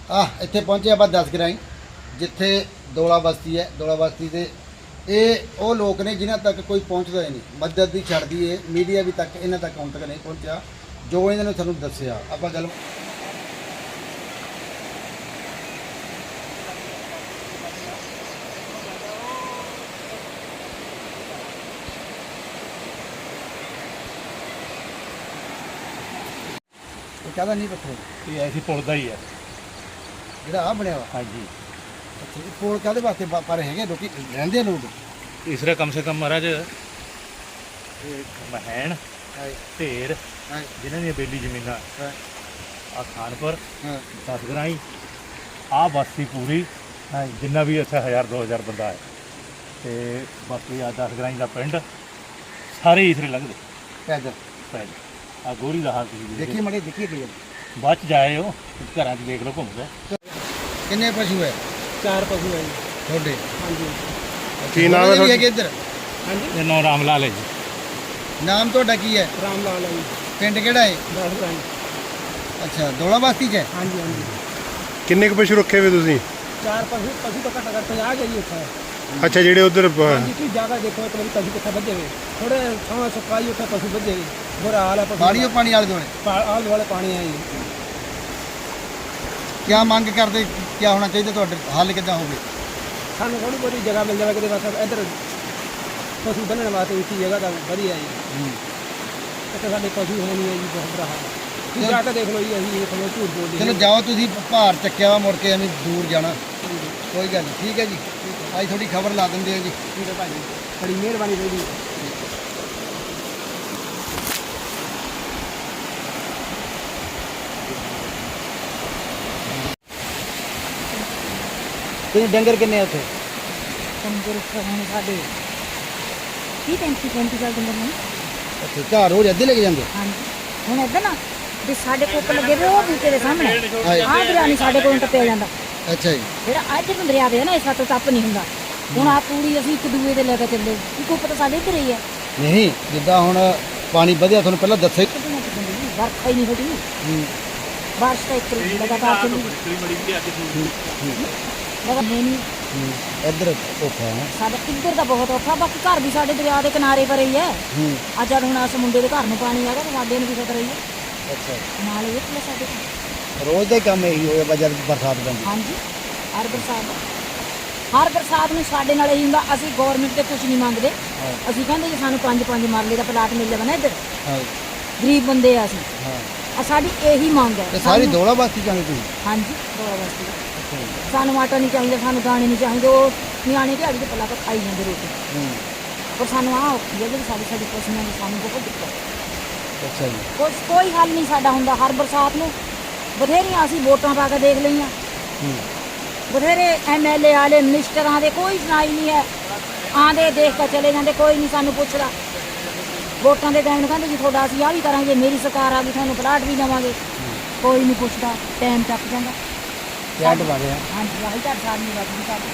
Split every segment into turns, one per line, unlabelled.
ਇੱਥੇ ਪਹੁੰਚੇ ਆਪਾਂ 10 ਗਰਾਈ ਜਿੱਥੇ ਦੋਲਾ ਬਸਤੀ ਹੈ। ਦੋਲਾ ਬਸਤੀ ਦੇ ਇਹ ਉਹ ਲੋਕ ਨੇ ਜਿਨ੍ਹਾਂ ਤੱਕ ਕੋਈ ਪਹੁੰਚਦਾ ਹੀ ਨਹੀਂ। ਮਦਦ ਦੀ ਛੱਡਦੀ ਏ ਮੀਡੀਆ ਵੀ ਤੱਕ ਇਹਨਾਂ ਤੱਕ ਹੁਣ ਤੱਕ ਨਹੀਂ ਪਹੁੰਚਿਆ ਜੋ ਇਹਨਾਂ ਨੇ ਤੁਹਾਨੂੰ ਦੱਸਿਆ। ਆਪਾਂ ਗੱਲ ਕਾਹਦਾ ਨਹੀਂ ਪੱਥਰ
ਇਹ ਐਸੀ ਪੁਲ ਦਾ ਹੀ ਹੈ
ਜਿਹੜਾ ਆ ਬਣਿਆ ਵਾ।
ਹਾਂਜੀ
ਅੱਛਾ ਇਹ ਪੁਲ ਕਾਹਦੇ ਵਾਸਤੇ ਪਰ ਹੈਗੇ ਲੋਕੀ ਰਹਿੰਦੇ ਆ ਲੋਕ
ਤੀਸਰਾ ਕਮ ਸੇ ਕਮ ਮਹਾਰਾਜ ਇਹ ਮਹਿਣ ਢੇਰ ਜਿਨ੍ਹਾਂ ਦੀਆਂ ਬੇਲੀ ਜ਼ਮੀਨਾਂ ਆ ਖਾਨਪੁਰ ਦਸਗਰਾਈ ਆ ਬਸਤੀ ਪੂਰੀ ਜਿੰਨਾ ਵੀ ਇੱਥੇ 1000-2000 ਬੰਦਾ ਹੈ ਤੇ ਬਾਕੀ ਆ ਦਸਗਰਾਈ ਦਾ ਪਿੰਡ ਸਾਰੇ ਇਸਰੇ ਲੰਘਦੇ
ਪੈਦਲ
ਪੈਦਲ। ਆ ਗੋਰੀ ਦਾ ਹਾਲ ਤੁਸੀਂ
ਦੇਖੀ ਮੜੇ ਦੇਖੀ ਗਈ
ਬਾਅਦ ਚ ਜਾਏ ਹੋ ਘਰਾਂ 'ਚ ਦੇਖ ਲਓ ਘੁੰਮ ਕੇ।
ਕਿੰਨੇ ਪਸ਼ੂ ਹੈ?
4 ਪਸ਼ੂ ਹੈ ਜੀ
ਤੁਹਾਡੇ?
ਹਾਂਜੀ।
ਕੀ ਨਾਮ ਹੈ ਤੁਹਾਡਾ? ਇੱਧਰ
ਹਾਂਜੀ
ਇਹ ਨਾਮ ਰਾਮ ਲਾਲ ਹੈ ਜੀ।
ਨਾਮ ਤੁਹਾਡਾ ਕੀ ਹੈ?
ਰਾਮ ਲਾਲ ਹੈ ਜੀ।
ਪਿੰਡ ਕਿਹੜਾ ਹੈ?
ਦਸਗਰਾਈ।
ਅੱਛਾ ਦੋਲਾ ਬਸਤੀ 'ਚ ਹੈ?
ਹਾਂਜੀ ਹਾਂਜੀ।
ਕਿੰਨੇ ਕੁ ਪਸ਼ੂ ਰੱਖੇ ਹੋਏ ਤੁਸੀਂ?
4 ਪਸ਼ੂ ਤਾਂ ਘੱਟ ਘੱਟ 50 ਹੈ ਜੀ ਉੱਥੇ।
ਅੱਛਾ ਜਿਹੜੇ ਉਧਰ
ਹਾਂਜੀ ਤੁਸੀਂ ਜਗ੍ਹਾ ਦੇਖੋ ਇੱਕ ਵਾਰੀ ਪਸ਼ੂ ਕਿੱਥੇ ਵੱਜੇ ਹੋਏ ਥੋੜੇ ਥਾਂ ਸੁਕਾਈ ਉੱਥੇ ਪਸ਼ੂ ਵੱਜੇ ਹੋਏ ਬੁਰਾ ਹਾਲ ਹੈ ਪਸ਼ੂ
ਪਾਣੀ ਆਲੇ ਦੁਆਲੇ
ਆਲੇ ਦੁਆਲੇ ਪਾਣੀ ਹੈ ਜੀ।
ਕਿਆ ਮੰਗ ਕਰਦੇ ਕੀ ਹੋਣਾ ਚਾਹੀਦਾ ਤੁਹਾਡੇ ਹੱਲ ਕਿੱਦਾਂ ਹੋਵੇ?
ਸਾਨੂੰ ਥੋੜੀ ਬਹੁਤੀ ਜਗ੍ਹਾ ਮਿਲ ਜਾਵੇ ਕਿਤੇ ਬਸ ਇੱਧਰ ਪਸ਼ੂ ਬੰਨਣ ਵਾਸਤੇ ਉੱਚੀ ਜਗ੍ਹਾ ਤਾਂ ਵਧੀਆ ਜੀ। ਇੱਥੇ ਸਾਡੇ ਪਸ਼ੂ ਹੈ ਨਹੀਂ ਹੈ ਜੀ ਬਹੁਤ ਬੁਰਾ ਹਾਲ ਹੈ। ਤੁਸੀਂ ਜਾ ਕੇ ਦੇਖ ਲਓ ਜੀ ਅਸੀਂ ਤੁਹਾਨੂੰ ਝੂਠ ਬੋਲਦੇ
ਚਲੋ ਜਾਓ ਤੁਸੀਂ ਭਾਰ ਚੱਕਿਆ ਵਾ ਮੁੜ ਕੇ ਐਵੇਂ ਦੂਰ ਜਾਣਾ ਕੋਈ ਗੱਲ ਨਹੀਂ। ਠੀਕ ਹੈ ਜੀ ਅੱਜ ਥੋੜੀ ਖਬਰ ਲਾ ਦਿੰਦੇ ਆ ਜੀ।
ਠੀਕ ਹੈ ਭਾਜੀ ਬੜੀ ਮਿਹਰਬਾਨੀ ਜੀ।
ਤੁਸੀਂ ਡੰਗਰ ਕਿੰਨੇ ਉੱਥੇ?
ਡੰਗਰ ਹੁਣ ਸਾਡੇ 30-35 ਸਾਲ ਡੰਗਰ ਨੇ।
ਅੱਛਾ ਘਰ ਹੋ ਅੱਧੇ ਲੈ ਕੇ ਜਾਂਦੇ?
ਹਾਂਜੀ ਹੁਣ ਇੱਧਰ ਨਾ ਵੀ ਸਾਡੇ ਕੋਲ ਲੱਗੇ ਵੇ ਉਹ ਬੂਟੇ ਦੇ ਸਾਹਮਣੇ ਆਹ ਦਰਿਆ ਨਹੀਂ ਸਾਡੇ ਕੋਲ ਟੱਪਿਆ ਜਾਂਦਾ।
ਅੱਛਾ ਜੀ
ਜਿਹੜਾ ਅੱਜ ਨੂੰ ਦਰਿਆ ਵੇ ਨਾ ਇਸ ਤੋਂ ਟੱਪ ਨਹੀਂ ਹੁੰਦਾ। ਹੁਣ ਆ ਪੂਰੀ ਅਸੀਂ ਇੱਕ ਦੂਏ ਦੇ ਲੈ ਕੇ ਚੱਲੇ ਕਿ ਕੋਈ ਪਤਾ ਸਾਡੇ ਇੱਧਰ ਹੀ ਹੈ।
ਨਹੀਂ ਜਿੱਦਾਂ ਹੁਣ ਪਾਣੀ ਵਧਿਆ ਤੁਹਾਨੂੰ ਪਹਿਲਾਂ ਦੱਸਿਆ
ਵਰਖਾ ਹੀ ਨਹੀਂ ਹੋਈ। ਬਾਰਿਸ਼ ਤਾਂ ਇੱਕ ਲਗਾਤਾਰ ਚੱਲੀ ਲਗਾ ਨਹੀਂ
ਇੱਧਰ ਔਖਾ ਹੈ
ਸਾਡਾ ਇੱਧਰ ਦਾ ਬਹੁਤ ਔਖਾ। ਬਾਕੀ ਘਰ ਵੀ ਸਾਡੇ ਦਰਿਆ ਦੇ ਕਿਨਾਰੇ ਪਰ ਹੀ ਹੈ। ਅੱਜ ਹੁਣ ਉਸ ਮੁੰਡੇ ਦੇ ਘਰ ਨੂੰ ਪਾਣੀ ਆ ਗਿਆ ਤੇ ਸਾਡੇ ਨੂੰ ਵੀ ਖਤਰਾ ਹੀ ਹੈ।
ਅੱਛਾ
ਨਾਲ ਇਹ plus ਸਾਡੇ
ਰੋਜ਼ ਦਾ ਹੀ ਕੰਮ ਇਹੀ ਹੋਇਆ ਜਦ ਬਰਸਾਤ ਪੈਂਦੀ?
ਹਾਂਜੀ ਹਰ ਬਰਸਾਤ ਨੂੰ ਸਾਡੇ ਨਾਲ ਇਹੀ ਹੁੰਦਾ। ਅਸੀਂ ਗਵਰਨਮੈਂਟ ਤੇ ਕੁਝ ਨਹੀਂ ਮੰਗਦੇ। ਅਸੀਂ ਕਹਿੰਦੇ ਜੀ ਸਾਨੂੰ 5 ਮਰਲੇ ਦਾ ਪਲਾਟ ਮਿਲ ਜਾਵੇ ਨਾ ਇੱਧਰ। ਗਰੀਬ ਬੰਦੇ ਆ ਅਸੀਂ ਸਾਡੀ ਇਹੀ ਮੰਗ ਹੈ।
ਤੇ ਸਾਰੀ ਦੋਲਾ ਬਸਤੀ ਚਾਹੁੰਦੇ ਤੁਸੀਂ?
ਹਾਂਜੀ ਦੋਲਾ ਬਸਤੀ। ਸਾਨੂੰ ਆਟਾ ਨਹੀਂ ਚਾਹੀਦਾ ਸਾਨੂੰ ਦਾਣੇ ਨਹੀਂ ਚਾਹੀਦੇ। ਉਹ ਨਿਆਣੇ ਦਿਹਾੜੀ ਦੇ ਪੱਲਾ ਖਾਈ ਜਾਂਦੇ ਰੋਟੀ ਪਰ ਸਾਨੂੰ ਆਹ ਔਖੀ ਹੈ ਜਿਹੜੀ ਸਾਡੀ ਪਸ਼ੂਆਂ ਦੀ ਸਾਨੂੰ ਬਹੁਤ ਦਿੱਕਤ।
ਅੱਛਾ ਜੀ
ਕੋਈ ਹੱਲ ਨਹੀਂ ਸਾਡਾ ਹੁੰਦਾ। ਹਰ ਬਰਸਾਤ ਨੂੰ ਬਥੇਰੀਆਂ ਅਸੀਂ ਵੋਟਾਂ ਪਾ ਕੇ ਦੇਖ ਲਈਆਂ। ਬਥੇਰੇ MLA ਵਾਲੇ ਮਿਨਿਸਟਰਾਂ ਦੇ ਕੋਈ ਸੁਣਾਈ ਨਹੀਂ ਹੈ। ਆਂਦੇ ਦੇਖ ਕੇ ਚਲੇ ਜਾਂਦੇ ਕੋਈ ਨਹੀਂ ਸਾਨੂੰ ਪੁੱਛਦਾ। ਵੋਟਾਂ ਦੇ ਟਾਈਮ ਨੂੰ ਕਹਿੰਦੇ ਜੀ ਤੁਹਾਡਾ ਅਸੀਂ ਆਹ ਵੀ ਕਰਾਂਗੇ ਮੇਰੀ ਸਰਕਾਰ ਆ ਗਈ ਤੁਹਾਨੂੰ ਪਲਾਟ ਵੀ ਦੇਵਾਂਗੇ। ਕੋਈ ਨਹੀਂ ਪੁੱਛਦਾ ਟਾਈਮ ਟੱਪ ਜਾਂਦਾ।
ਪਲਾਟ ਵਾਲੇ
ਹਾਂਜੀ ਆਹੀ ਤਾਂ ਸਾਲ ਨਹੀਂ ਲੱਗਦੀ ਸਾਡੀ।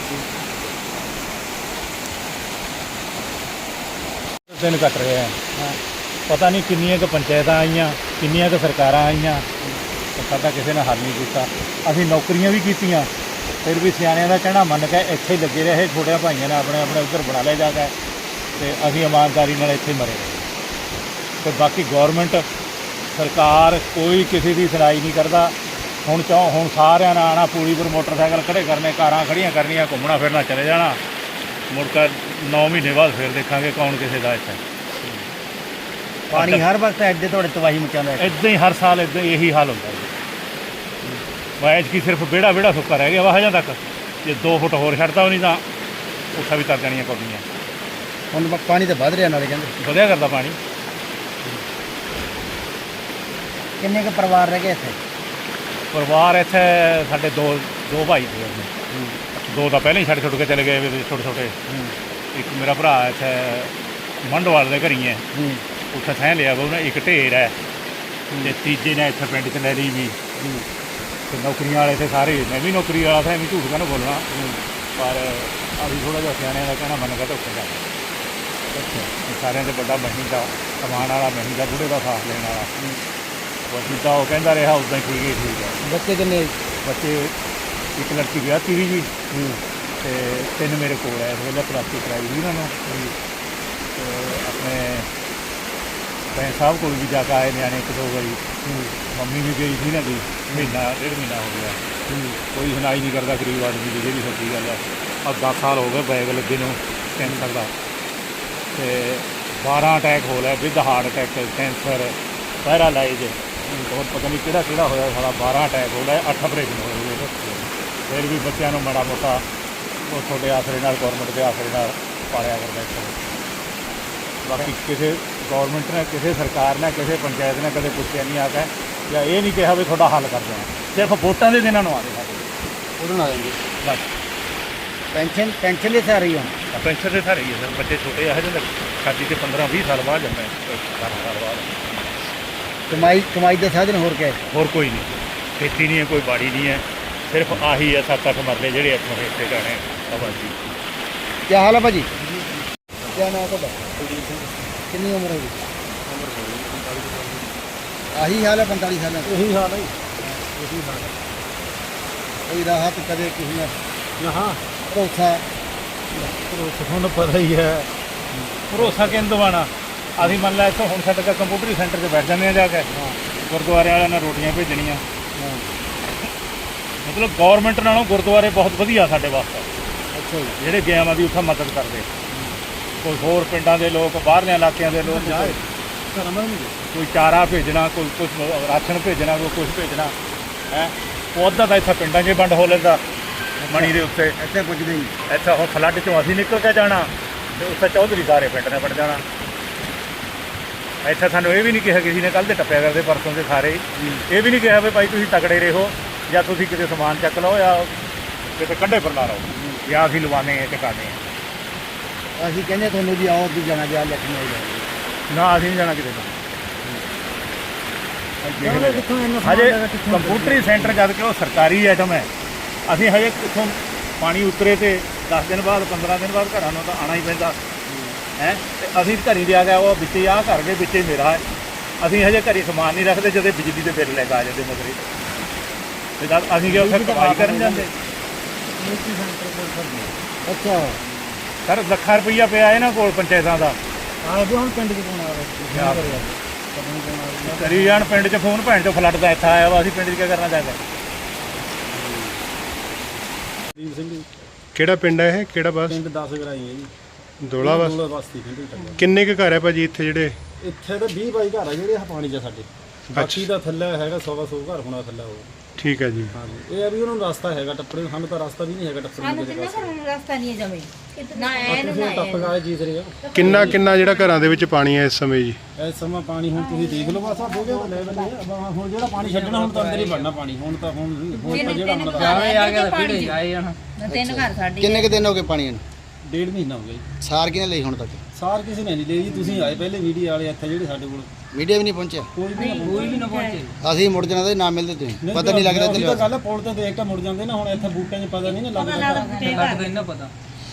ਦਿਨ ਕੱਟ ਰਹੇ ਆ ਪਤਾ ਨਹੀਂ ਕਿੰਨੀਆਂ ਕੁ ਪੰਚਾਇਤਾਂ ਆਈਆਂ ਕਿੰਨੀਆਂ ਕੁ ਸਰਕਾਰਾਂ ਆਈਆਂ ਸਾਡਾ ਕਿਸੇ ਨੇ ਹੱਲ ਨਹੀਂ ਕੀਤਾ। ਅਸੀਂ ਨੌਕਰੀਆਂ ਵੀ ਕੀਤੀਆਂ ਫਿਰ ਵੀ ਸਿਆਣਿਆਂ ਦਾ ਕਹਿਣਾ ਮੰਨ ਕੇ ਇੱਥੇ ਹੀ ਲੱਗੇ ਰਹੇ। ਛੋਟਿਆਂ ਭਾਈਆਂ ਨੇ ਆਪਣੇ ਉੱਧਰ ਬਣਾ ਲਿਆ ਜਾ ਕੇ ਤੇ ਅਸੀਂ ਇਮਾਨਦਾਰੀ ਨਾਲ ਇੱਥੇ ਮਰੇ ਤੇ ਬਾਕੀ ਗੌਰਮੈਂਟ ਸਰਕਾਰ ਕੋਈ ਕਿਸੇ ਦੀ ਸੁਣਾਈ ਨਹੀਂ ਕਰਦਾ। ਹੁਣ ਸਾਰਿਆਂ ਨੇ ਆਉਣਾ ਪੂਰੀ ਪਰ ਮੋਟਰਸਾਈਕਲ ਖੜੇ ਕਰਨੇ ਕਾਰਾਂ ਖੜੀਆਂ ਕਰਨੀਆਂ ਘੁੰਮਣਾ ਫਿਰਨਾ ਚਲੇ ਜਾਣਾ ਮੁੜ ਕੇ 9 ਮਹੀਨੇ ਬਾਅਦ ਫਿਰ ਦੇਖਾਂਗੇ ਕੌਣ ਕਿਸੇ ਦਾ ਇੱਥੇ।
ਪਾਣੀ ਹਰ ਵਕਤ ਐਡੇ ਤੁਹਾਡੇ ਤਬਾਹੀ ਮਚਾਉਂਦਾ
ਇੱਦਾਂ ਹੀ ਹਰ ਸਾਲ ਇੱਦਾਂ ਇਹੀ ਹਾਲ ਹੁੰਦਾ ਜੀ। ਵਾਇਜ ਕੀ ਸਿਰਫ ਵਿਹੜਾ ਸੁੱਕਾ ਰਹਿ ਗਿਆ ਵਾਹਜਾਂ ਤੱਕ। ਜੇ 2 ਫੁੱਟ ਹੋਰ ਛੱਡਦਾ ਉਹ ਨਹੀਂ ਤਾਂ ਉੱਥਾ ਵੀ ਤਰ ਜਾਣੀਆਂ ਕੌਡੀਆਂ।
ਹੁਣ ਪਾਣੀ ਤਾਂ ਵੱਧ ਰਿਹਾ ਨਾਲੇ ਕਹਿੰਦੇ
ਵਧਿਆ ਕਰਦਾ ਪਾਣੀ।
ਕਿੰਨੇ ਕੁ ਪਰਿਵਾਰ ਰਹਿ ਗਏ ਇੱਥੇ?
ਪਰਿਵਾਰ ਇੱਥੇ ਸਾਡੇ ਦੋ ਭਾਈ ਸੀ। 2 ਤਾਂ ਪਹਿਲਾਂ ਹੀ ਛੱਡ ਕੇ ਚਲੇ ਗਏ ਛੋਟੇ। ਇੱਕ ਮੇਰਾ ਭਰਾ ਇੱਥੇ ਮੰਡਵਾਲ ਦੇ ਘਰੀ ਹੈ ਉੱਥੇ ਥੈਂ ਲਿਆ ਵਾ ਉਹਨੇ। ਇੱਕ ਢੇਰ ਹੈ ਤੇ ਤੀਜੇ ਨੇ ਇੱਥੇ ਪਿੰਡ 'ਚ ਲੈ ਲਈ ਵੀ। ਤੇ ਨੌਕਰੀਆਂ ਵਾਲੇ ਤੇ ਸਾਰੇ ਮੈਂ ਵੀ ਨੌਕਰੀ ਵਾਲਾ ਥਾ ਐਵੇਂ ਝੂਠ ਕਹਿੰਦਾ ਬੋਲਣਾ ਪਰ ਅਸੀਂ ਥੋੜ੍ਹਾ ਜਿਹਾ ਸਿਆਣਿਆਂ ਦਾ ਕਹਿਣਾ ਮੰਨ ਕੇ ਧੋਖੇ ਦਾ। ਸਾਰਿਆਂ ਦੇ ਵੱਡਾ ਮਹੀਂਦਾ ਕਮਾਉਣ ਵਾਲਾ ਮਹੀਂਦਾ ਬੁੜੇ ਦਾ ਸਾਥ ਲੈਣ ਵਾਲਾ। ਜਿੱਦਾਂ ਉਹ ਕਹਿੰਦਾ ਰਿਹਾ ਉੱਦਾਂ ਹੀ ਠੀਕ ਹੈ।
ਬੱਚੇ ਕਿੰਨੇ?
ਬੱਚੇ, ਇੱਕ ਲੜਕੀ ਵਿਆਹਤੀ ਵੀ ਜੀ ਤੇ 3 ਮੇਰੇ ਕੋਲ ਹੈ। ਇਸ ਵੇਲੇ ਪ੍ਰਾਪਤੀ ਕਰਾਈ ਵੀ ਉਹਨਾਂ ਨੂੰ ਤੇ ਆਪਣੇ ਭੈਣ ਸਾਹਿਬ ਕੋਲ ਵੀ ਜਾ ਕੇ ਆਏ ਨਿਆਣੇ 1-2 ਵਾਰੀ। ਮੰਮੀ ਵੀ ਗਈ ਸੀ ਨਾ ਜੀ, ਮਹੀਨਾ 1.5 ਮਹੀਨਾ ਹੋ ਗਿਆ। ਕੋਈ ਸੁਣਾਈ ਨਹੀਂ ਕਰਦਾ ਗਰੀਬ ਆਦਮੀ ਦੀ, ਜਿਹੜੀ ਸੱਚੀ ਗੱਲ ਹੈ। अब 10 साल हो गए बैग लगे नूं कैंसर का, तो 12 अटैक हो लिया with heart attack, cancer, paralyse और पता नहीं किहड़ा किहड़ा होया सारा। 12 अटैक हो लिया, 8 ऑपरेशन होए। फिर भी बच्चों को माड़ा मोटा वो थोड़े आसरे नाल, गौरमेंट के आसरे नाल पालिया करदा इत्थे। बाकी किसी गौरमेंट ने, किसी सरकार ने, किसी पंचायत ने कदे पुछया नहीं आके या ये नहीं कहा भी थोड़ा हल कर दें। सिर्फ वोटां दे दिनां नूं आते
उड़न आ जाएंगे।
बस
पेंशन ले से आ रही हो?
पेंशन से रही है सर। बच्चे छोटे है जो शादी के 15-20 साल बाद जाते हैं, 18 साल बाद।
कमाई का साधन होर क्या है?
और कोई नहीं, खेती नहीं है, कोई बाड़ी नहीं है, सिर्फ आही है 7-8 मरले ਜਿਹੜੇ ਇੱਥੋਂ हिस्से जाने आबादी।
क्या हाल है भाजी? क्या नाम है ਤੁਹਾਡਾ? कितनी उम्र है? आही हाल है 45 साल?
यही हाल है, यही हाल है।
कोई राहत कदे किसी ने
यहाँ
भरोसा?
ਤੁਹਾਨੂੰ ਪਤਾ ਹੀ ਹੈ ਭਰੋਸਾ ਕਿੰਨ ਦਵਾਣਾ। ਅਸੀਂ ਮੰਨ ਲਿਆ ਇੱਥੋਂ ਹੁਣ ਸਾਡੇ ਕੋਲ ਕੰਪਿਊਟਰੀ ਸੈਂਟਰ 'ਚ ਬੈਠ ਜਾਂਦੇ ਆ ਜਾ ਕੇ, ਗੁਰਦੁਆਰੇ ਵਾਲਿਆਂ ਨੇ ਰੋਟੀਆਂ ਭੇਜਣੀਆਂ। ਮਤਲਬ ਗੌਰਮੈਂਟ ਨਾਲੋਂ ਗੁਰਦੁਆਰੇ ਬਹੁਤ ਵਧੀਆ ਸਾਡੇ ਵਾਸਤੇ।
ਅੱਛਾ ਜੀ।
ਜਿਹੜੇ ਗਿਆਵਾਂ ਦੀ ਉੱਥੇ ਮਦਦ ਕਰਦੇ, ਕੋਈ ਹੋਰ ਪਿੰਡਾਂ ਦੇ ਲੋਕ, ਬਾਹਰਲੇ ਇਲਾਕਿਆਂ ਦੇ ਲੋਕ, ਕੋਈ ਚਾਰਾ ਭੇਜਣਾ, ਕੋਈ ਕੁਛ ਰਾਸ਼ਨ ਭੇਜਣਾ, ਕੋਈ ਕੁਛ ਭੇਜਣਾ ਹੈ। ਉਹ ਅੱਧਾ ਤਾਂ ਇੱਥੇ ਪਿੰਡਾਂ 'ਚ ਵੰਡ ਹੋ ਲੈਂਦਾ ਮਣੀ ਦੇ ਉੱਤੇ।
ਇੱਥੇ ਪੁੱਜਦੇ ਨਹੀਂ।
ਇੱਥੇ ਹੁਣ ਫਲੱਡ 'ਚੋਂ ਅਸੀਂ ਨਿਕਲ ਕੇ ਜਾਣਾ ਤੇ ਉੱਥੇ ਚੌਧਰੀ ਸਾਰੇ ਪਿੰਡ ਨੇ ਵੜ ਜਾਣਾ। ਇੱਥੇ ਸਾਨੂੰ ਇਹ ਵੀ ਨਹੀਂ ਕਿਹਾ ਕਿਸੇ ਨੇ ਕੱਲ੍ਹ ਦੇ ਟੱਪਿਆ ਕਰਦੇ, ਪਰਸੋਂ ਦੇ ਸਾਰੇ ਇਹ ਵੀ ਨਹੀਂ ਕਿਹਾ ਵੀ ਭਾਈ ਤੁਸੀਂ ਤਕੜੇ ਰਹੋ ਜਾਂ ਤੁਸੀਂ ਕਿਤੇ ਸਮਾਨ ਚੱਕ ਲਓ ਜਾਂ ਕਿਤੇ ਕੰਢੇ ਪਰ ਨਾ ਰਹੋ ਜਾਂ ਅਸੀਂ ਲਵਾਉਂਦੇ ਹਾਂ ਟਿਕਾਣੇ ਹਾਂ।
ਅਸੀਂ ਕਹਿੰਦੇ ਤੁਹਾਨੂੰ ਵੀ ਆਓ ਵੀ ਜਾਣਾ ਜਾ ਲੈ ਕੇ ਨਹੀਂ ਜਾਣਾ।
ਨਾ ਅਸੀਂ ਨਹੀਂ ਜਾਣਾ ਕਿਤੇ ਤੋਂ। ਹਜੇ ਕੰਪਿਊਟਰੀ ਸੈਂਟਰ ਜਦ ਕਿ ਉਹ ਸਰਕਾਰੀ ਆਈਟਮ ਹੈ, ਅਸੀਂ ਹਜੇ ਕਿੱਥੋਂ ਪਾਣੀ ਉਤਰੇ ਤੇ 10 ਦਿਨ ਬਾਅਦ 15 ਦਿਨ ਬਾਅਦ ਘਰਾਂ ਨੂੰ ਤਾਂ ਆਉਣਾ ਹੀ ਪੈਂਦਾ ਹੈ। ਤੇ ਅਸੀਂ ਘਰੀ ਦੇ ਆ ਗਏ, ਉਹ ਵਿੱਚੇ ਆਹ ਘਰ ਦੇ ਵਿੱਚੇ ਮੇਰਾ ਹੈ। ਅਸੀਂ ਹਜੇ ਘਰੀ ਸਮਾਨ ਨਹੀਂ ਰੱਖਦੇ, ਜਦੋਂ ਬਿਜਲੀ ਦੇ ਬਿੱਲ ਲੈ ਕੇ ਆ ਜਾਂਦੇ ਮਗਰੇ ਤੇ ਜਦ ਅਸੀਂ ਕਿ ਉੱਥੇ ਕਮਾਈ ਕਰਨ ਜਾਂਦੇ।
ਅੱਛਾ
ਸਰ ਲੱਖਾਂ ਰੁਪਈਆ ਪਿਆ ਇਹਨਾਂ ਕੋਲ ਪੰਚਾਇਤਾਂ ਦਾ।
ਆ ਵੀ ਹੁਣ ਪਿੰਡ 'ਚ ਕੌਣ ਆ ਰਿਹਾ?
ਕਰੀ ਜਾਣ ਪਿੰਡ 'ਚ ਫੋਨ, ਭੈਣ 'ਚੋਂ ਫਲੱਡ ਦਾ ਇੱਥੇ ਆਇਆ ਵਾ, ਅਸੀਂ ਪਿੰਡ 'ਚ ਕੀ ਕਰਨਾ ਚਾਹੀਦਾ।
ਦੀਪ ਸਿੰਘ ਜੀ,
ਕਿਹੜਾ ਪਿੰਡ ਹੈ ਇਹ, ਕਿਹੜਾ ਬਸ?
ਪਿੰਡ 10 ਗਰਾਈ ਹੈ ਜੀ,
ਦੋਲਾ ਬਸ।
ਦੋਲਾ ਬਸਤੀ ਕਹਿੰਦੇ।
ਕਿੰਨੇ ਕੁ ਘਰ ਹੈ ਭਾਜੀ ਇੱਥੇ ਜਿਹੜੇ?
ਇੱਥੇ ਤਾਂ 20 22 ਘਰ ਆ ਜਿਹੜੇ ਪਾਣੀ 'ਚ ਸਾਡੇ। ਬਾਕੀ ਦਾ ਥੱਲੇ ਹੈਗਾ 100 ਘਰ ਹੋਣਾ ਥੱਲੇ ਉਹ।
ਠੀਕ ਹੈ ਜੀ।
ਹਾਂਜੀ, ਇਹ ਆ ਵੀ ਉਹਨਾਂ ਨੂੰ ਰਸਤਾ ਹੈਗਾ ਟੱਪਣੇ ਨੂੰ, ਸਾਨੂੰ ਤਾਂ ਰਸਤਾ ਵੀ ਨਹੀਂ ਹੈਗਾ ਟੱਪਣੇ ਨੂੰ ਕਿਸੇ ਪਾਸੇ।
ਰਸਤਾ ਨਹੀਂ ਜਮੇ ਨਾ
ਤੁਸੀਂ ਟੱਪ ਗਏ ਜੀ ਸਰੇ।
ਕਿੰਨਾ ਜਿਹੜਾ ਘਰਾਂ ਦੇ ਵਿੱਚ ਪਾਣੀ ਹੈ ਇਸ ਸਮੇਂ ਜੀ?
ਇਸ ਸਮਾਂ ਪਾਣੀ ਹੁਣ ਤੁਸੀਂ ਦੇਖ ਲਓ, ਬਸ ਆ ਹੋ ਗਿਆ ਲੈਵਲ ਹੈ। ਹੁਣ ਜਿਹੜਾ ਪਾਣੀ ਛੱਡਣਾ ਹੁਣ ਤਾਂ ਅੰਦਰ ਹੀ ਵੜਨਾ ਪਾਣੀ। ਹੁਣ ਤਾਂ ਜਿਹੜਾ ਹੁਣ
ਜਾਵੇ ਆ ਗਿਆ ਫਿਰ ਆਏ ਜਾਣਾ। 3 ਘਰ ਸਾਡੇ।
ਕਿੰਨੇ ਕੁ ਦਿਨ ਹੋ ਗਏ ਪਾਣੀ ਨੂੰ?
1.5 ਮਹੀਨਾ ਹੋ ਗਿਆ ਜੀ।
ਸਾਰ ਕਿਹਨੇ ਲਈ ਹੁਣ ਤੱਕ?
ਸਾਰ ਕਿਸੇ ਨੇ ਨਹੀਂ ਲਈ ਜੀ। ਤੁਸੀਂ ਆਏ ਪਹਿਲੇ ਮੀਡੀਆ ਵਾਲੇ ਇੱਥੇ ਜਿਹੜੇ ਸਾਡੇ ਕੋਲ,
ਮੀਡੀਆ ਵੀ ਨਹੀਂ ਪਹੁੰਚਿਆ?
ਕੋਈ ਵੀ ਨਾ ਪਹੁੰਚੇ।
ਅਸੀਂ ਮੁੜ ਜਾਣਾ ਤੇ ਨਾ ਮਿਲਦੇ ਤੁਸੀਂ, ਪਤਾ ਨਹੀਂ ਲੱਗਦਾ
ਤੇ ਗੱਲ ਹੈ, ਪੁਲ ਤੇ ਦੇਖ ਕੇ ਮੁੜ ਜਾਂਦੇ ਨਾ। ਹੁਣ ਇੱਥੇ ਬੂਟਿਆਂ 'ਚ ਪਤਾ ਨਹੀਂ ਨਾ ਲੱਗਦਾ ਇਹਨਾਂ ਪਤਾ।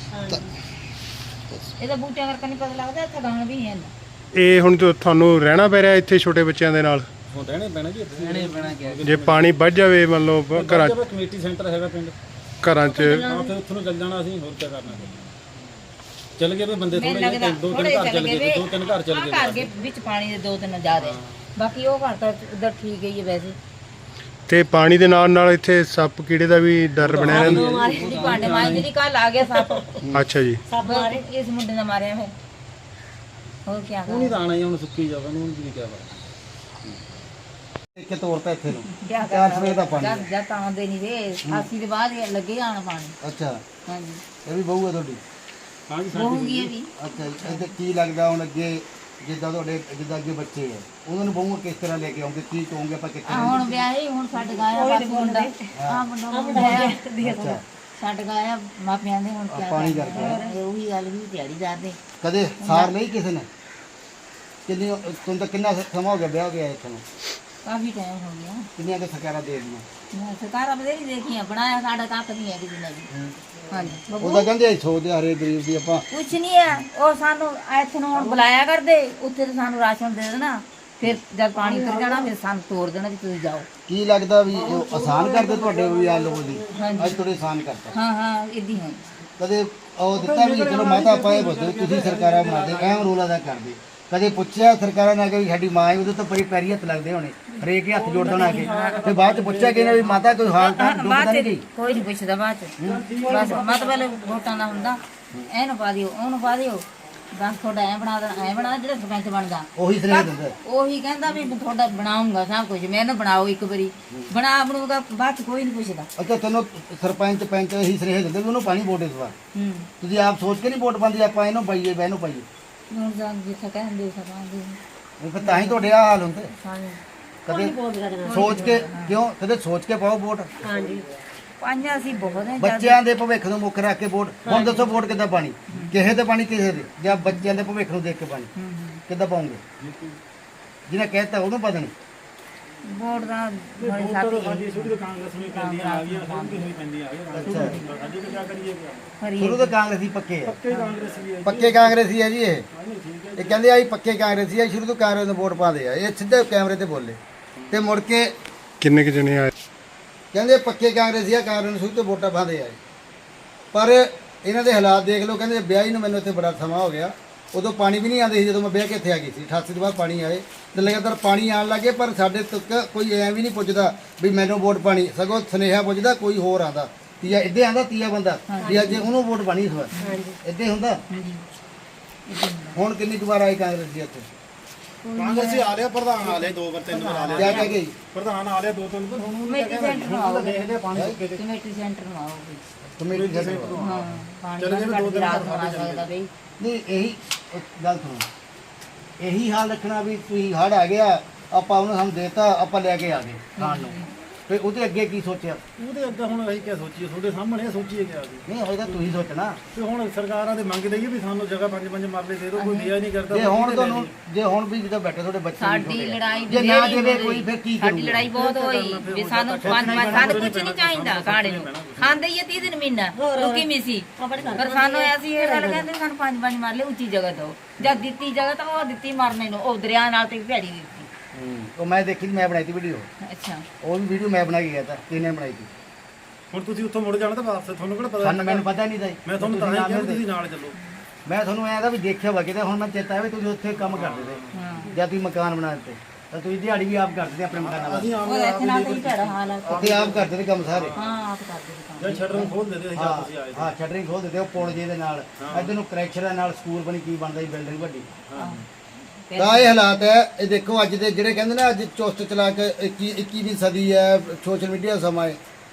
ਇਹਦਾ ਬੂਟਿਆਂ ਕਰਕੇ ਨਹੀਂ ਪਤਾ ਲੱਗਦਾ, ਇੱਥੇ ਗਾਣ ਵੀ ਹੈ।
ਇਹ ਹੁਣ ਤੁਹਾਨੂੰ ਰਹਿਣਾ ਪੈ ਰਿਹਾ ਇੱਥੇ ਛੋਟੇ ਬੱਚਿਆਂ ਦੇ ਨਾਲ?
ਹੁਣ ਰਹਿਣੇ ਪੈਣਾ ਜੀ, ਰਹਿਣੇ ਪੈਣਾ ਕਿਹਾ।
ਜੇ ਪਾਣੀ ਵੱਧ ਜਾਵੇ ਮੰਨ ਲਓ ਘਰਾਂ 'ਚ,
ਕਮੇਟੀ ਸੈਂਟਰ ਹੈਗਾ ਪਿੰਡ,
ਘਰਾਂ 'ਚ
ਹਾਂ ਫਿਰ ਉੱਥੋਂ ਨੂੰ ਚੱਲ ਜਾਣਾ ਅਸੀਂ। ਹੋਰ ਕੀ ਕਰਨਾ ਫਿਰ? ਚੱਲ ਗਏ ਵੀ ਬੰਦੇ ਥੋੜੇ ਜਿਹੇ, 2-3 ਘਰ ਚੱਲ ਗਏ, 2-3 ਘਰ ਚੱਲ ਗਏ।
ਘਰ ਦੇ ਵਿੱਚ ਪਾਣੀ ਦੇ 2-3 ਜ਼ਿਆਦਾ, ਬਾਕੀ ਉਹ ਘਰ ਤਾਂ ਉਧਰ ਠੀਕ ਹੀ ਹੈ ਵੈਸੇ।
ਤੇ ਪਾਣੀ ਦੇ ਨਾਲ ਇੱਥੇ ਸੱਪ ਕੀੜੇ ਦਾ ਵੀ ਡਰ ਬਣਿਆ ਰਹਿੰਦਾ।
ਜਿਹੜੀ ਭਾਂਡੇ ਮਾਂਜਦੀ ਦੀ ਕੱਲ ਆ ਗਿਆ ਸੱਪ।
ਅੱਛਾ ਜੀ।
ਸੱਪ ਮਾਰੇ ਇਸ ਮੁੰਡੇ ਨੇ ਮਾਰਿਆ ਫਿਰ। ਹੋਰ ਕੀ
ਉਹ ਨਹੀਂ ਤਾਂ ਆਣਾ ਹੀ ਹੁਣ, ਸੁੱਕੀ ਜਾਵੇ ਉਹਨੂੰ ਵੀ ਕਿਹਾ ਵਾ।
ਇੱਕ ਤੋਰ ਤਾਂ ਇੱਥੇ ਨੂੰ
ਕਿਆ
ਚਾਰ ਸਵੇਰ ਦਾ ਪਾਣੀ।
ਜਾਂ ਤਾਂ ਆਉਂਦੇ ਨਹੀਂ ਵੇ 88 ਦੇ ਬਾਅਦ ਹੀ ਲੱਗੇ ਆਣ ਪਾਣੀ।
ਅੱਛਾ,
ਹਾਂਜੀ
ਇਹ ਵੀ ਬਹੂ ਹੈ ਤੁਹਾਡੀ?
ਹਾਂਜੀ
ਹੋਊਗੀ ਇਹ ਵੀ।
ਅੱਛਾ ਜੀ। ਇਹਦੇ ਕੀ ਲੱਗਦਾ ਹੁਣ ਅੱਗੇ ਜਿੱਦਾਂ ਤੁਹਾਡੇ ਜਿੱਦਾਂ ਅੱਗੇ ਬੱਚੇ ਹੈ ਉਹਨਾਂ ਨੂੰ ਬਹੂ ਕਿਸ ਤਰ੍ਹਾਂ ਲੈ ਕੇ ਆਉਂਗੇ? ਕੀ ਕਹੋਗੇ ਆਪਾਂ ਕਿੱਥੇ?
ਹੁਣ ਵਿਆਹੀ ਹੁਣ ਛੱਡ ਗਾਇਆ ਬਾਕੀ ਮੁੰਡਾ ਆ ਮੁੰਡਾ ਛੱਡ ਗਾਇਆ ਮਾਪਿਆਂ ਦੇ। ਹੁਣ ਕੀ
ਪਾਣੀ ਕਰਕੇ
ਉਹੀ ਗੱਲ ਵੀ ਤਿਆਰੀ ਕਰਦੇ।
ਕਦੇ ਸਾਰ ਨਹੀਂ ਕਿਸੇ ਨੇ? ਕਿੰਨੀ ਤੁਹਾਨੂੰ ਤਾਂ ਕਿੰਨਾ ਸਮਾਂ ਹੋ ਗਿਆ ਵਿਆਹ ਗਿਆ ਇੱਥੇ ਨੂੰ?
ਕਾਫੀ ਟਾਈਮ ਹੋ ਗਿਆ।
ਕਿੰਨੀਆਂ ਕੁ ਸਰਕਾਰਾਂ ਦੇ ਦਿੱਤੀਆਂ?
ਮੈਂ ਸਰਕਾਰਾਂ ਬਥੇਰੀ ਦੇਖੀਆਂ, ਬਣਾਇਆ ਸਾਡਾ ਕੱਖ ਨਹੀਂ ਹੈ ਕਿਸੇ ਨੇ ਵੀ। ਹਾਂਜੀ
ਉਹਦਾ ਕਹਿੰਦੇ ਅਸੀਂ ਸੋਚਦੇ ਆ ਹਰੇ ਗਰੀਬ ਦੀ ਆਪਾਂ।
ਕੁਛ ਨਹੀਂ ਹੈ, ਉਹ ਸਾਨੂੰ ਇੱਥੇ ਨੂੰ ਹੁਣ ਬੁਲਾਇਆ ਕਰਦੇ, ਉੱਥੇ ਤਾਂ ਸਾਨੂੰ ਰਾਸ਼ਨ ਦੇ ਦੇਣਾ
ਫਿਰ ਜਦ ਪਾਣੀ ਉਤਰ ਜਾਣਾ ਫਿਰ ਸਾਨੂੰ ਤੋੜ ਦੇਣਾ ਵੀ ਤੁਸੀਂ ਜਾਓ।
ਕੀ ਲੱਗਦਾ ਵੀ ਉਹ ਆਸਾਨ ਕਰਦੇ ਤੁਹਾਡੇ ਵੀ ਆ ਲੋਕ ਦੀ ਅੱਜ ਥੋੜੇ ਆਸਾਨ ਕਰਤਾ
ਹਾਂ ਇਦਾਂ ਹੋਈ।
ਕਦੇ ਉਹ ਦਿੱਤਾ ਵੀ ਚਲੋ ਮਾਤਾ ਆਪਾਂ ਇਹ ਬੋਲਦੇ ਤੁਸੀਂ ਸਰਕਾਰਾਂ ਬਣਾਦੇ ਅਹਿਮ ਰੋਲ ਅਦਾ ਕਰਦੇ ਕਦੇ ਪੁੱਛਿਆ ਸਰਕਾਰਾਂ ਨੇ ਕਿ ਸਾਡੀ ਮਾਂ ਹੈ ਉਹਦੇ ਤੋਂ ਬੜੀ ਪੈਰੀ ਹੱਥ ਲੱਗਦੇ ਹੋਣੇ ਹਰੇਕ ਹੀ ਹੱਥ ਜੋੜ ਦੇਣਾ ਕੇ ਤੇ ਬਾਅਦ ਚ ਪੁੱਛਿਆ ਕਿ ਵੀ ਮਾਤਾ ਕੋਈ ਹਾਲ ਤਾਂ ਡੁੱਬਦਾ
ਬਾਅਦ
ਨਹੀਂ
ਚ
ਗਈ
ਕੋਈ ਨਹੀਂ ਪੁੱਛਦਾ ਬਾਅਦ ਚ ਬਸ ਮਤਲਬ ਵੋਟਾਂ ਦਾ ਹੁੰਦਾ ਇਹਨੂੰ ਪਾ ਦਿਓ ਉਹਨੂੰ ਪਾ ਦਿਓ ਬਸ ਤੁਹਾਡਾ ਐ ਬਣਾ ਦੇਣਾ ਐ ਬਣਾ ਜਿਹੜਾ ਸਰਪੰਚ ਬਣਦਾ
ਉਹੀ ਸੁਨੇਹਾ ਦਿੰਦਾ
ਉਹੀ ਕਹਿੰਦਾ ਵੀ ਮੈਂ ਤੁਹਾਡਾ ਬਣਾਉਂਗਾ ਸਭ ਕੁਝ ਮੈਨੂੰ ਬਣਾਓ ਇੱਕ ਵਾਰੀ ਬਣੂਗਾ ਬਾਅਦ ਚ ਕੋਈ ਨਹੀਂ ਪੁੱਛਦਾ।
ਅੱਛਾ ਤੈਨੂੰ ਸਰਪੰਚ ਪੰਚ ਇਹੀ ਸੁਨੇਹਾ ਦਿੰਦੇ ਵੀ ਉਹਨੂੰ ਪਾਣੀ ਵੋਟ ਇਸ ਵਾਰ ਤੁਸੀਂ ਆਪ ਸੋਚ ਕੇ ਨਹੀਂ ਵੋਟ ਪਾਉਂਦੇ ਆਪਾਂ ਇਹਨੂੰ ਪਾਈਏ ਬਹਿਨੂੰ ਪਾਈਏ
ਹੁਣ ਜਾਂ ਜਿੱਥੇ ਕਹਿੰਦੇ ਸਭਾਂਦੇ
ਫਿਰ ਤਾਂ ਹੀ ਤੁਹਾਡੇ ਆ ਹਾਲ ਹੁੰਦੇ
ਸਾਰੇ
ਕਦੇ ਸੋਚ ਕੇ ਕਿਉਂ ਕਦੇ ਸੋਚ ਕੇ ਪਾਓ ਵੋਟ
ਪੰਜਾਂ ਅਸੀਂ ਬਹੁਤ ਹੈ
ਬੱਚਿਆਂ ਦੇ ਭਵਿੱਖ ਨੂੰ ਮੁੱਖ ਰੱਖ ਕੇ ਵੋਟ ਹੁਣ ਦੱਸੋ ਵੋਟ ਕਿੱਦਾਂ ਪਾਣੀ ਕਿਸੇ ਤੇ ਪਾਣੀ ਕਿਸੇ ਦੇ ਜਾਂ ਬੱਚਿਆਂ ਦੇ ਭਵਿੱਖ ਨੂੰ ਦੇਖ ਕੇ ਪਾਣੀ ਕਿੱਦਾਂ ਪਾਉਂਗੇ ਜਿਹਨੇ ਕਹਿਤਾ ਉਹਨੂੰ ਪਤਾ ਨਹੀਂ
ਵੋਟ ਦਾ ਬੜੀ ਸਾਥੀ
ਸ਼ੁਰੂ ਤੋਂ ਕਾਂਗਰਸੀ ਪੱਕੇ ਆ ਪੱਕੇ ਕਾਂਗਰਸੀ ਆ ਜੀ ਇਹ ਕਹਿੰਦੇ ਆ ਜੀ ਪੱਕੇ ਕਾਂਗਰਸੀ ਆ ਸ਼ੁਰੂ ਤੋਂ ਕਾਂਗਰਸ ਨੂੰ ਵੋਟ ਪਾਉਂਦੇ ਆ ਇਹ ਸਿੱਧੇ ਕੈਮਰੇ ਤੇ ਬੋਲੇ ਤੇ ਮੁੜ ਕੇ
ਕਿੰਨੇ ਕੁ ਜਣੇ ਆਏ
ਕਹਿੰਦੇ ਪੱਕੇ ਕਾਂਗਰਸੀ ਆ ਕਾਂਗਰਸ ਨੂੰ ਸ਼ੁਰੂ ਤੋਂ ਵੋਟਾਂ ਪਾਉਂਦੇ ਆ ਪਰ ਇਹਨਾਂ ਦੇ ਹਾਲਾਤ ਦੇਖ ਲਓ ਕਹਿੰਦੇ ਵਿਆਹੀ ਨੂੰ ਮੈਨੂੰ ਇੱਥੇ ਬੜਾ ਸਮਾਂ ਹੋ ਗਿਆ ਉਦੋਂ ਪਾਣੀ ਵੀ ਨਹੀਂ ਆਉਂਦੇ ਸੀ ਜਦੋਂ ਮੈਂ ਵਿਆਹ ਕੇ ਇੱਥੇ ਆ ਗਈ ਸੀ 88 ਤੋਂ ਬਾਅਦ ਪਾਣੀ ਆਏ ਤੇ ਲਗਾਤਾਰ ਪਾਣੀ ਆਉਣ ਲੱਗੇ ਪਰ ਸਾਡੇ ਤੱਕ ਕੋਈ ਐਂ ਵੀ ਨਹੀਂ ਪੁੱਛਦਾ ਵੀ ਮੈਨੂੰ ਵੋਟ ਪਾਣੀ ਸਗੋਂ ਸੁਨੇਹਾ ਪੁੱਛਦਾ ਕੋਈ ਹੋਰ ਆਂਦਾ ਤੀਆ ਇੱਦੇ ਆਂਦਾ ਤੀਆ ਬੰਦਾ ਵੀ ਅੱਜ ਉਹਨੂੰ ਵੋਟ ਪਾਣੀ ਇਸ ਵਾਰ ਇੱਦੇ ਹੁੰਦਾ ਹੁਣ ਕਿੰਨੀ ਕੁ ਵਾਰ ਆਏ ਕਾਂਗਰਸੀ ਇੱਥੇ
ਕਾਂਗਰਸੀ ਆ ਲਿਆ ਪ੍ਰਧਾਨ ਆ ਲਿਆ 2 ਵਾਰ 3 ਵਾਰ ਆ ਲਿਆ
ਕਿਆ ਕਹਿ ਗਈ
ਪ੍ਰਧਾਨ ਆ ਲਿਆ 2-3 ਵਾਰ ਹੁਣ
ਕਮੇਟੀ ਸੈਂਟਰ ਨੂੰ ਆਓ
ਦੇਖਦੇ ਪਾਣੀ ਸੁੱਕੇ ਤੇ
ਕਮੇਟੀ ਸੈਂਟਰ ਨੂੰ ਆਓ
ਕਮੇਟੀ ਦੇ
ਹਾਂ ਪਾਣੀ ਦਾ ਘੱਟ ਰਾਤ ਨੂੰ ਆ ਸਕਦਾ ਬਈ
ਨਹੀਂ ਇਹੀ ਗੱਲ ਸੁਣੋ ਇਹੀ ਹਾਲ ਰੱਖਣਾ ਵੀ ਤੁਸੀਂ ਹੜ ਆ ਗਿਆ ਆਪਾਂ ਉਹਨੂੰ ਸਾਨੂੰ ਦੇਤਾ ਆਪਾਂ ਲੈ ਕੇ ਆ ਗਏ ਖਾਣ ਨੂੰ ਫਿਰ ਉਹਦੇ ਅੱਗੇ ਕੀ ਸੋਚਿਆ
ਉਹਦੇ ਅੱਗੇ ਹੁਣ ਅਸੀਂ ਕਿਆ ਸੋਚੀਏ ਤੁਹਾਡੇ ਸਾਹਮਣੇ ਸੋਚੀਏ ਕਿਆ ਅਸੀਂ
ਨਹੀਂ ਹੋਏਗਾ ਤੁਸੀਂ ਸੋਚਣਾ
ਤੇ ਹੁਣ ਸਰਕਾਰਾਂ ਦੇ ਮੰਗ ਦਈਏ ਵੀ ਸਾਨੂੰ ਜਗ੍ਹਾ 5-5 ਮਰਲੇ ਦੇ ਦਿਓ ਕੋਈ ਦਿਆ ਨਹੀਂ ਕਰਦਾ
ਜੇ ਹੁਣ ਤੁਹਾਨੂੰ ਜੇ ਹੁਣ ਵੀ ਜਦੋਂ ਬੈਠੇ ਤੁਹਾਡੇ ਬੱਚੇ
ਸਾਡੀ ਲੜਾਈ
ਜੇ ਨਾ ਦੇਵੇ ਕੋਈ ਫਿਰ ਕੀ
ਸਾਡੀ
ਕਰੂਗਾ
ਲੜਾਈ ਬਹੁਤ ਹੋਈ ਵੀ ਸਾਨੂੰ ਸਾਨੂੰ ਕੁਝ ਨਹੀਂ ਚਾਹੀਦਾ ਕਾੜੇ ਨੂੰ ਖਾਂਦੇ ਹੀ 30 ਦਿਨ ਮਹੀਨਾ ਰੁਕੀ ਮਿਸੀ ਪਰ ਸਾਨੂੰ ਐਸੀ ਇਹ ਗੱਲ ਕਹਿੰਦੇ ਸਾਨੂੰ 5-5 ਮਰਲੇ ਉੱਚੀ ਜਗ੍ਹਾ ਦਿਓ ਜਦ ਦਿੱਤੀ ਜਗ੍ਹਾ ਤਾਂ ਉਹ ਦਿੱਤੀ ਮਰਨੇ ਨੂੰ ਉਹ ਦਰਿਆ ਨਾਲ ਤੇ ਭੈੜੀ ਦਿੱਤੀ
ਉਹ ਮੈਂ ਦੇਖੀ ਮੈਂ ਬਣਾਈ ਤੀ ਵੀਡੀਓ
ਅੱਛਾ
ਉਹ ਵੀ ਵੀਡੀਓ ਮੈਂ ਬਣਾ ਕੇ ਗਿਆ ਤਾਂ ਕਿਹਨੇ ਬਣਾਈ ਤੀ
ਹੁਣ ਤੁਸੀਂ ਉੱਥੋਂ ਮੁੜ ਜਾਣਾ ਤਾਂ ਵਾਪਸ ਤੁਹਾਨੂੰ ਕਿਹੜਾ ਪਤਾ
ਸਾਨੂੰ ਮੈਨੂੰ ਪਤਾ ਨਹੀਂ ਤਾਂ
ਮੈਂ ਤੁਹਾਨੂੰ ਤਾਂ ਹੀ ਕਿਹਾ ਵੀ ਤੁਸੀਂ ਨਾਲ ਚੱਲੋ
ਮੈਂ ਤੁਹਾਨੂੰ ਐਂ ਦਾ ਵੀ ਦੇਖਿਆ ਵਾ ਕਿਤੇ ਹੁਣ ਮੈਂ ਚੇਤਾ ਹੈ ਵੀ ਤੁਸੀਂ ਉੱਥੇ ਕੰਮ ਕਰਦੇ ਤੇ ਜਾਂ ਤੁਸੀਂ ਮਕਾਨ ਬਣਾ ਦਿੱਤੇ ਤਾਂ ਤੁਸੀਂ ਦਿਹਾੜੀ ਵੀ ਆਪ ਕਰਦੇ ਤੇ ਆਪਣੇ ਮਕਾਨਾਂ ਦਾ
ਅਸੀਂ
ਉਹ ਇੱਥੇ ਨਾਲ ਤੇ ਭੈੜਾ ਹਾਲ ਆ
ਉੱਥੇ ਆਪ ਕਰਦੇ ਤੇ ਕੰਮ ਸਾਰੇ
ਹਾਂ ਆਪ ਕਰਦੇ ਸੀ ਕੰਮ
ਜਾਂ ਸ਼ਟਰ ਨੂੰ ਖੋਲ ਦੇ ਦੇ ਜਾਂ ਤੁਸੀਂ ਆਏ
ਹਾਂ ਸ਼ਟਰਿੰਗ ਖੋਲ ਦਿੰਦੇ ਉਹ ਪੁਲ ਜੇ ਦੇ ਨਾਲ ਇੱਧਰ ਨੂੰ ਕਰੈਕਸ਼ਰ ਨਾਲ ਸਕੂਲ ਬਣੀ ਕੀ ਬਣਦਾ ਜੀ ਬਿਲਡਿੰਗ ਵੱਡੀ ਤਾਂ ਇਹ ਹਾਲਾਤ ਹੈ ਇਹ ਦੇਖੋ ਅੱਜ ਦੇ ਜਿਹੜੇ ਕਹਿੰਦੇ ਨੇ ਅੱਜ ਚੁਸਤ ਚਲਾ ਕੇ 21ਵੀਂ ਸਦੀ ਹੈ ਸੋਸ਼ਲ ਮੀਡੀਆ ਸਮਾਂ ਹੈ